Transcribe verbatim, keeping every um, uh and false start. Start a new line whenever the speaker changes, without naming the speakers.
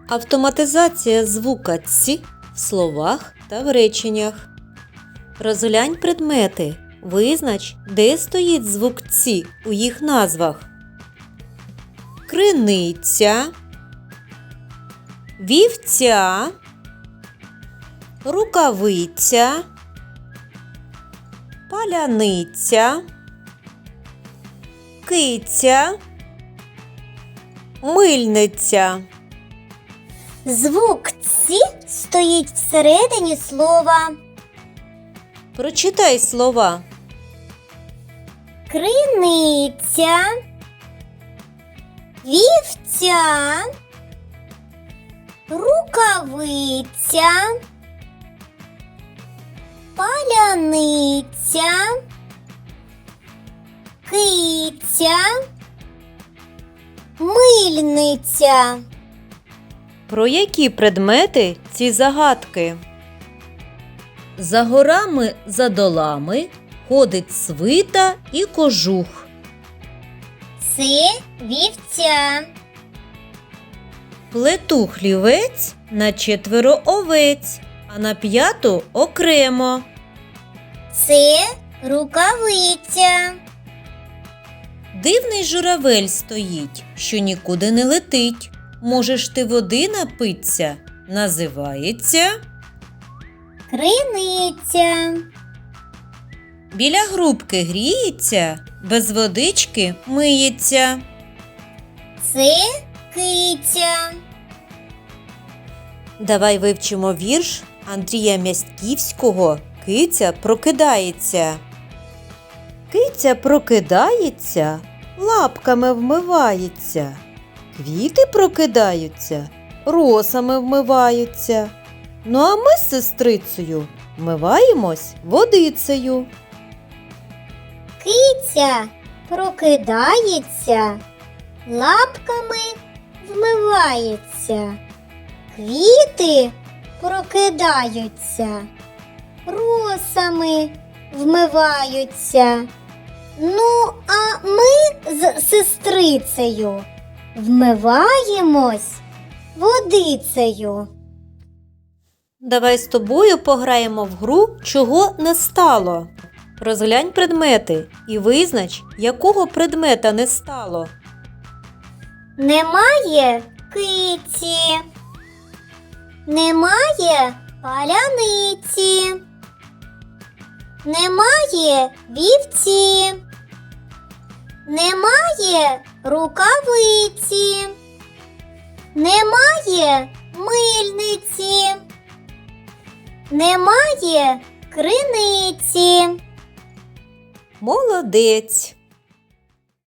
Автоматизація звука «ць» в словах та в реченнях. Розглянь предмети. Визнач, де стоїть звук «ць» у їх назвах. Криниця, вівця, рукавиця, паляниця, киця, мильниця.
Звук «ці» стоїть всередині слова.
Прочитай слова.
Криниця, вівця, рукавиця, паляниця, киця, мильниця.
Про які предмети ці загадки? За горами, за долами ходить свита і кожух.
Це вівця.
Плету хлівець на четверо овець, а на п'яту окремо.
Це рукавиця.
Дивний журавель стоїть, що нікуди не летить. Можеш ти води напитися? Називається
Криниця.
біля грубки гріється, без водички миється.
Це киця.
Давай вивчимо вірш Андрія Мястківського «Киця прокидається». Киця прокидається, лапками вмивається. Квіти прокидаються, росами вмиваються. Ну а ми з сестрицею вмиваємось водицею.
Киця прокидається, лапками вмивається. Квіти прокидаються, росами вмиваються. Ну, а ми з сестрицею вмиваємось водицею.
Давай з тобою пограємо в гру «Чого не стало?». Розглянь предмети і визнач, якого предмета не стало.
Немає киці, немає паляниці, немає вівці, немає рукавиці, немає мильниці, немає криниці.
Молодець!